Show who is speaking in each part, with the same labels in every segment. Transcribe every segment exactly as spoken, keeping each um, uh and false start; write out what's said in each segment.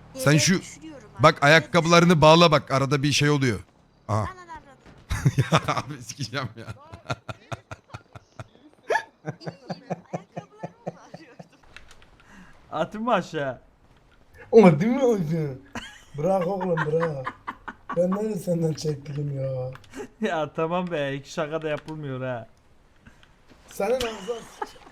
Speaker 1: Sen
Speaker 2: Yere
Speaker 1: şu
Speaker 2: düşürüyorum abi.
Speaker 1: bak ayakkabılarını bağla bak arada bir şey oluyor. Aha.
Speaker 2: Anan avradım.
Speaker 1: Ya abi sikeceğim ya.
Speaker 2: İyiyim. Ayakkabılarımı bağlıyordum.
Speaker 3: Atın mı aşağı?
Speaker 4: Ama değil mi hocam? Bırak oğlum bırak. Ben nerede senden çektim ya?
Speaker 3: Ya tamam be, iki şaka da yapılmıyor ha.
Speaker 4: Senin ağzına sıç-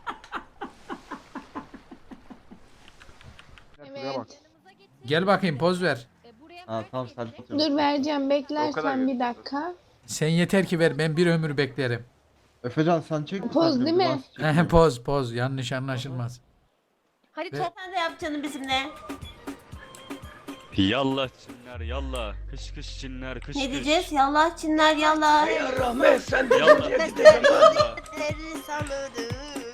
Speaker 5: Evet.
Speaker 6: Gel bakayım poz ver.
Speaker 7: Ha tamam sen
Speaker 5: Dur vereceğim. Beklersen bir dakika.
Speaker 6: Sen yeter ki ver, ben bir ömür beklerim.
Speaker 7: Efecan sen çek.
Speaker 5: Poz
Speaker 7: sen de,
Speaker 5: değil
Speaker 7: bu
Speaker 5: mi?
Speaker 7: nasıl çekiyor?
Speaker 6: poz poz, yanlış anlaşılmaz.
Speaker 2: Hadi
Speaker 6: Ve-
Speaker 2: top sen de yap canım bizimle.
Speaker 8: Yallah Çinler yallah. Kış kış Çinler kış
Speaker 2: Ne
Speaker 8: kış.
Speaker 2: diyeceğiz? Yallah Çinler yallah.
Speaker 8: Yallah
Speaker 2: Sesleri
Speaker 8: yallah.
Speaker 2: salladı.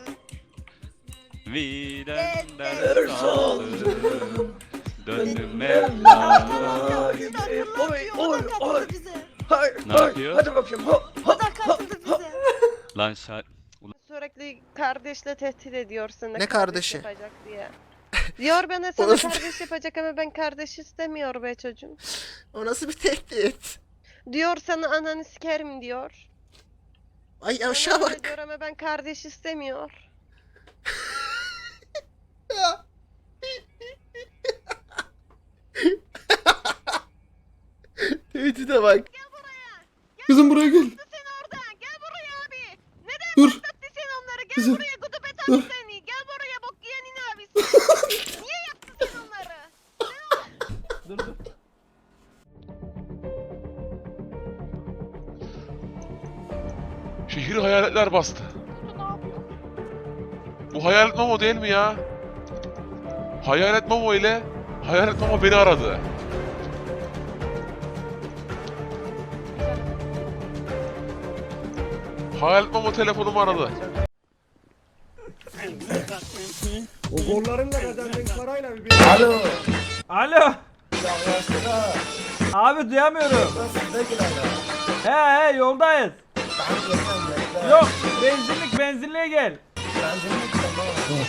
Speaker 8: Videnden sağlığı. Dönüm Mevla.
Speaker 2: Oy oy oy.
Speaker 8: Ne yapıyor?
Speaker 9: Hadi bakayım.
Speaker 2: O da katıldı bize.
Speaker 8: Lan şa...
Speaker 9: Sürekli kardeşle tehdit ediyorsun.
Speaker 10: Ne kardeşi?
Speaker 9: Yapacak diye. Diyor bana sana kardeş yapacak ama ben kardeş istemiyor be çocuğum.
Speaker 10: O nasıl bir tehdit?
Speaker 9: Diyor sana ananı sikerim diyor.
Speaker 10: Ay
Speaker 9: Bana
Speaker 10: aşağı
Speaker 9: öyle
Speaker 10: bak.
Speaker 9: diyor ama ben kardeş istemiyor.
Speaker 10: Ya. Tehdide bak.
Speaker 4: Kızım buraya gel.
Speaker 9: Sen oradan gel buraya abi. Neden
Speaker 4: Dur.
Speaker 9: başlattı sen onları? Gel
Speaker 4: Kızım.
Speaker 9: buraya gudubet
Speaker 4: Dur.
Speaker 9: abi seni. Gel buraya bok yiyenin abisi. Niye yaptın sen onları?
Speaker 3: Dur dur.
Speaker 11: Şehri hayaletler bastı. Bu hayalet Momo değil mi ya? Hayalet Momo ile Hayalet Momo beni aradı. Hayalet Momo telefonumu aradı.
Speaker 4: O kollarınla kazandığın parayla bir Alo.
Speaker 3: Alo.
Speaker 4: Yaklaştık ha.
Speaker 3: Abi duyamıyorum.
Speaker 4: Nasıl ne gelen
Speaker 3: He he, yoldayız.
Speaker 4: Ben gelmem bekle.
Speaker 3: Yok, benzinlik benzinliğe gel.
Speaker 4: Ben seni tamam.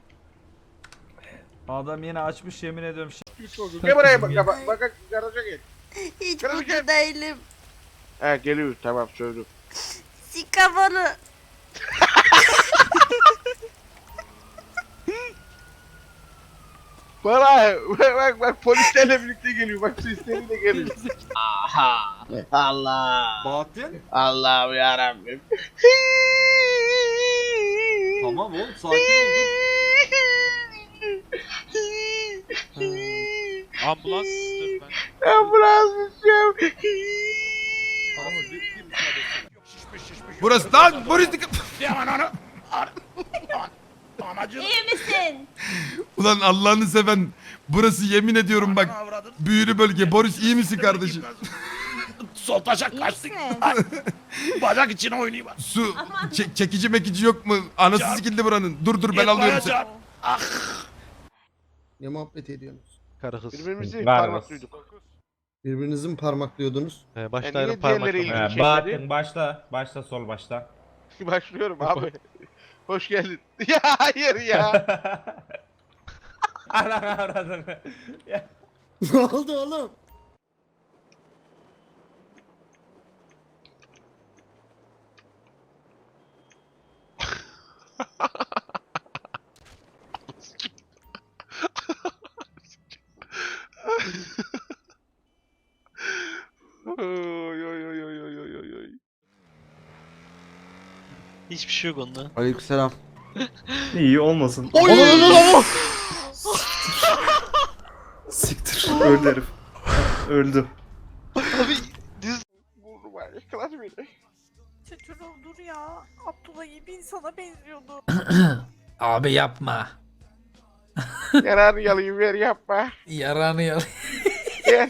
Speaker 3: Adam yine açmış, yemin ediyorum.
Speaker 11: Gel buraya bak, bak, bak, garaja gel.
Speaker 2: Hiç
Speaker 11: Kırmızı
Speaker 2: mutlu
Speaker 11: gel.
Speaker 2: değilim.
Speaker 11: He geliyor, tamam söyledim.
Speaker 2: Sikafanı.
Speaker 11: Bana, bak bak polislerle birlikte geliyor, bak sesleriyle geliyor.
Speaker 7: Allah.
Speaker 3: Bahattin?
Speaker 7: Allah'ım yarabbim.
Speaker 3: Tamam oğlum, sakin ol dur.
Speaker 8: Ambulans dur ben.
Speaker 11: Ambulans istiyorum.
Speaker 1: Burası lan burası.
Speaker 2: İyi misin?
Speaker 1: Ulan Allah'ını seven burası yemin ediyorum bak büyülü bölge. Boris iyi misin kardeşim?
Speaker 11: Sol taşak
Speaker 2: İyi
Speaker 11: kaçtık.
Speaker 2: misin?
Speaker 11: Bacak içine oynayayım.
Speaker 1: Su çe- çekici mekici yok mu? Anası
Speaker 11: Can-
Speaker 1: sikildi buranın. Dur dur ben alıyorum seni.
Speaker 11: Ah.
Speaker 4: Ne muhabbet ediyorsunuz?
Speaker 8: Karı kız.
Speaker 11: Birbirimizi parmaklıyorduk.
Speaker 4: Birbirinizi mi parmaklıyorduk?
Speaker 8: Ee,
Speaker 11: Başlayalım parmakla.
Speaker 3: Bahattin başla, başla sol başla.
Speaker 11: Başlıyorum abi. Hoş geldin. Ya hayır ya.
Speaker 3: Ana avradını.
Speaker 4: Ne oldu oğlum?
Speaker 11: Oy oy oy oy oy oy oy.
Speaker 8: Hiçbir şey yok onda.
Speaker 7: Aleykümselam.
Speaker 3: İyi olmasın.
Speaker 11: Oy!
Speaker 3: Siktir. Öldü herif. Öldü.
Speaker 11: Abi diz vurdu var. Yıkılar beni.
Speaker 2: Çocuğum dur ya. Abdullah gibi insana benziyordu.
Speaker 6: Abi yapma.
Speaker 11: Yararı yalayım ver yapma.
Speaker 6: Yaranı yal.
Speaker 11: Gel.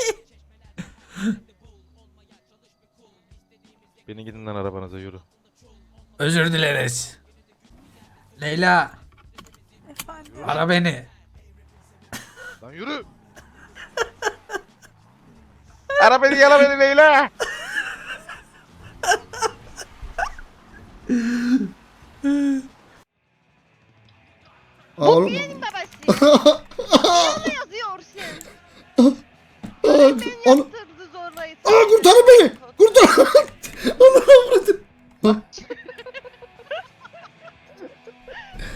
Speaker 8: Beni gidin lan arabanıza yürü.
Speaker 6: Özür dileriz. Leyla,
Speaker 2: Efendim.
Speaker 6: ara beni.
Speaker 11: Lan yürü. Ara beni yala beni Leyla.
Speaker 4: Oğlum.
Speaker 9: Babası. Ne yazıyorsun?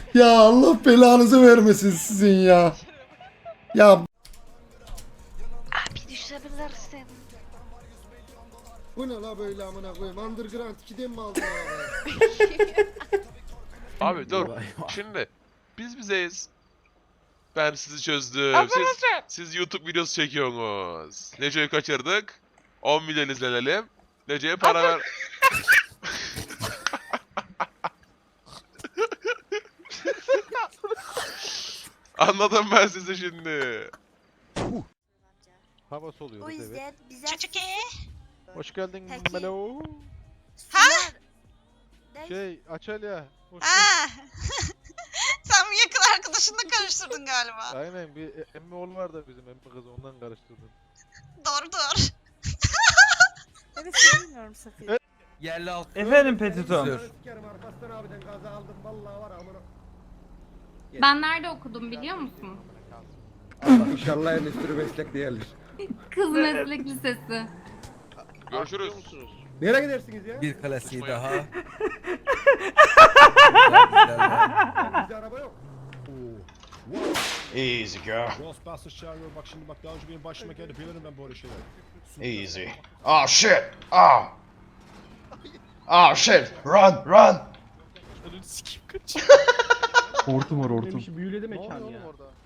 Speaker 10: Ya Allah belanızı vermesin sizin ya. Ya
Speaker 9: Abi düşebilirsin.
Speaker 10: bu ne la böyle amına koyayım? Underground ikiden mi aldın ya?
Speaker 11: Abi dur. Şimdi biz bizeyiz. Ben sizi çözdüm. Siz, siz YouTube videosu çekiyorsunuz. Nece'yi kaçırdık. on milyon izlenelim. Nece'ye para ver. Anladım ben sizi şimdi.
Speaker 8: Hava soluyoruz
Speaker 2: O
Speaker 8: evet.
Speaker 2: yüzden bize
Speaker 8: Hoş geldin
Speaker 2: Peki.
Speaker 8: Melo.
Speaker 2: sular. Ne?
Speaker 8: Şey Açalya. Hoş
Speaker 2: Aa! Sen bu yakın arkadaşınla karıştırdın galiba.
Speaker 8: Aynen bir e- emmi oğlu var da bizim emmi kızı ondan karıştırdım.
Speaker 2: Doğru doğru. Evet seni dinliyorum Safiye.
Speaker 6: Yerli altı.
Speaker 3: Efendim Petitom.
Speaker 10: Sikerim Arpaslan abiden gaza aldım vallahi var amına.
Speaker 5: Ben nerede okudum biliyor musun?
Speaker 10: İnşallah endüstri meslek değerli.
Speaker 5: Kız Meslek Lisesi.
Speaker 11: Görüşürüz.
Speaker 10: Nereye gidersiniz ya?
Speaker 6: Bir klasiği daha.
Speaker 10: Bizde araba yok.
Speaker 7: Easy girl.
Speaker 10: Ghostbusters çağırıyor bak şimdi bak daha önce benim başıma geldi biliyorum ben böyle şeyler.
Speaker 7: Easy. Oh shit. Oh. Oh shit. Run, run.
Speaker 3: Hortum var hortum.
Speaker 10: Büyüledi mekan ya.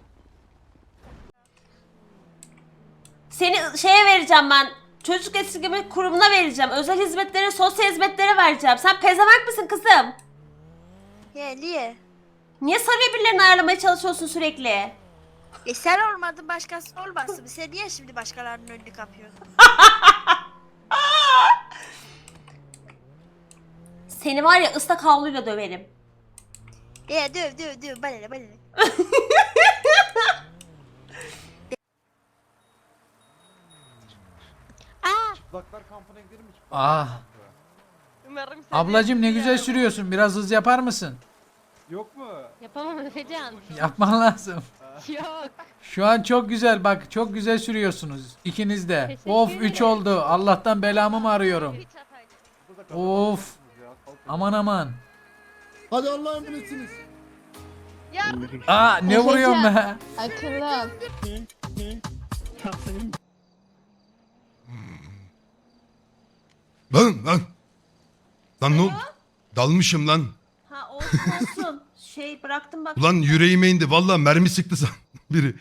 Speaker 9: Seni şeye vereceğim ben. Çocuk esirgeme kurumuna vereceğim. Özel hizmetlere, sosyal hizmetlere vereceğim. Sen pezevenk misin kızım?
Speaker 2: Ya niye?
Speaker 9: Niye sarıyor birilerini ayarlamaya çalışıyorsun sürekli?
Speaker 2: E sen olmadın başkası olmasın. Sen niye şimdi başkalarının önünü kapıyorsun?
Speaker 9: Seni var ya ıslak havluyla döverim.
Speaker 2: Ya döv döv döv bana ne bana ne.
Speaker 6: Ah. Ablacım ne güzel sürüyorsun. Biraz hız yapar mısın?
Speaker 3: Yok mu?
Speaker 5: Yapamam Efecan.
Speaker 6: Yapman lazım.
Speaker 5: Yok.
Speaker 6: Şu an çok güzel bak. Çok güzel sürüyorsunuz. İkiniz de.
Speaker 5: Teşekkür
Speaker 6: Of
Speaker 5: ederim.
Speaker 6: üç oldu. Allah'tan belamı mı arıyorum? Of. Aman aman.
Speaker 10: Hadi Allah'ın bilirsiniz.
Speaker 6: Aa ne vuruyorsun be?
Speaker 5: Akıllı ol.
Speaker 1: Lan lan. Lan ne oldu? Dalmışım lan.
Speaker 9: Ha olsun olsun. Şey bıraktım bak.
Speaker 1: Ulan yüreğime indi. Vallahi mermi sıktı san biri.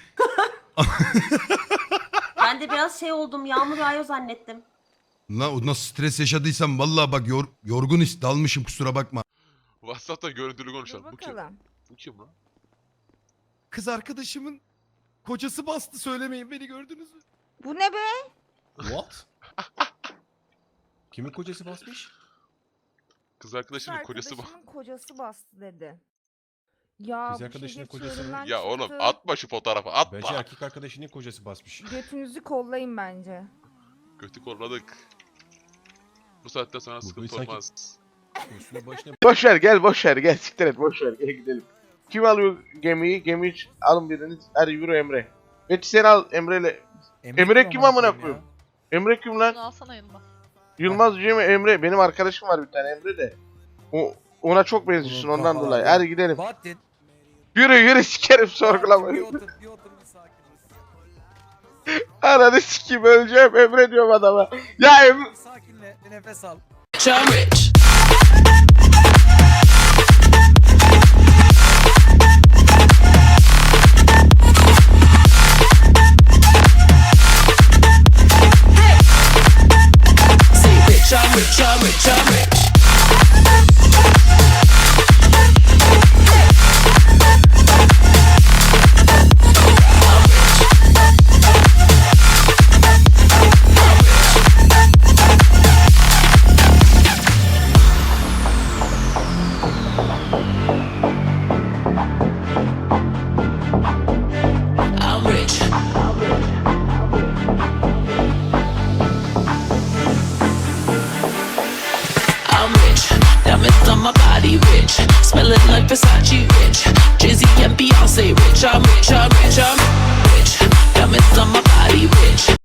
Speaker 9: Ben de biraz şey oldum. Yağmur yağıyor zannettim.
Speaker 1: Lan o nasıl stres yaşadıysam vallahi bak yor, yorgun his dalmışım kusura bakma.
Speaker 11: WhatsApp'ta görüntülü konuşalım. Bu kim? Bu kim lan?
Speaker 1: Kız arkadaşımın kocası bastı söylemeyin beni gördünüz mü?
Speaker 2: Bu ne be?
Speaker 10: What? Kimin kocası basmış?
Speaker 11: Kız arkadaşımın kocası bak.
Speaker 2: kocası bastı dedi. Ya
Speaker 10: Kız arkadaşının kocası mı?
Speaker 11: Ya oğlum atma şu fotoğrafı atma.
Speaker 10: Bence erkek arkadaşının kocası basmış.
Speaker 2: Götünüzü kollayın bence.
Speaker 11: Kötü kolladık. Bu saatten sonra
Speaker 10: Bu
Speaker 11: sıkıntı
Speaker 10: sanki-
Speaker 11: olmaz.
Speaker 10: Üstüne başına
Speaker 7: Boş ver gel boş ver gel siktir et boş ver gel gidelim. Kim alıyor gemiyi? Gemiyi ç- alın biriniz. Hadi yürü Emre. Peki sen al Emre'yle. Emre kim amına koyayım? Emre kim lan?
Speaker 5: Alsana yanıma.
Speaker 7: Yılmaz Cem Emre. Benim arkadaşım var bir tane Emre de. O ona çok benziyorsun
Speaker 6: Oğlum,
Speaker 7: ondan
Speaker 6: kafalar
Speaker 7: dolayı.
Speaker 6: ya.
Speaker 7: Hadi gidelim.
Speaker 6: Bahattin.
Speaker 7: Yürü yürü sikerim sorgulama.
Speaker 6: Bir otur bir otur bir sakin ol.
Speaker 7: Ananı sikeyim öleceğim Emre diyorum adama. Ya Emre.
Speaker 6: Bir sakinle bir nefes al.
Speaker 12: Diamonds on my body rich, smelling like Versace rich. Jay-Z and Beyonce rich, I'm rich, I'm rich, I'm rich.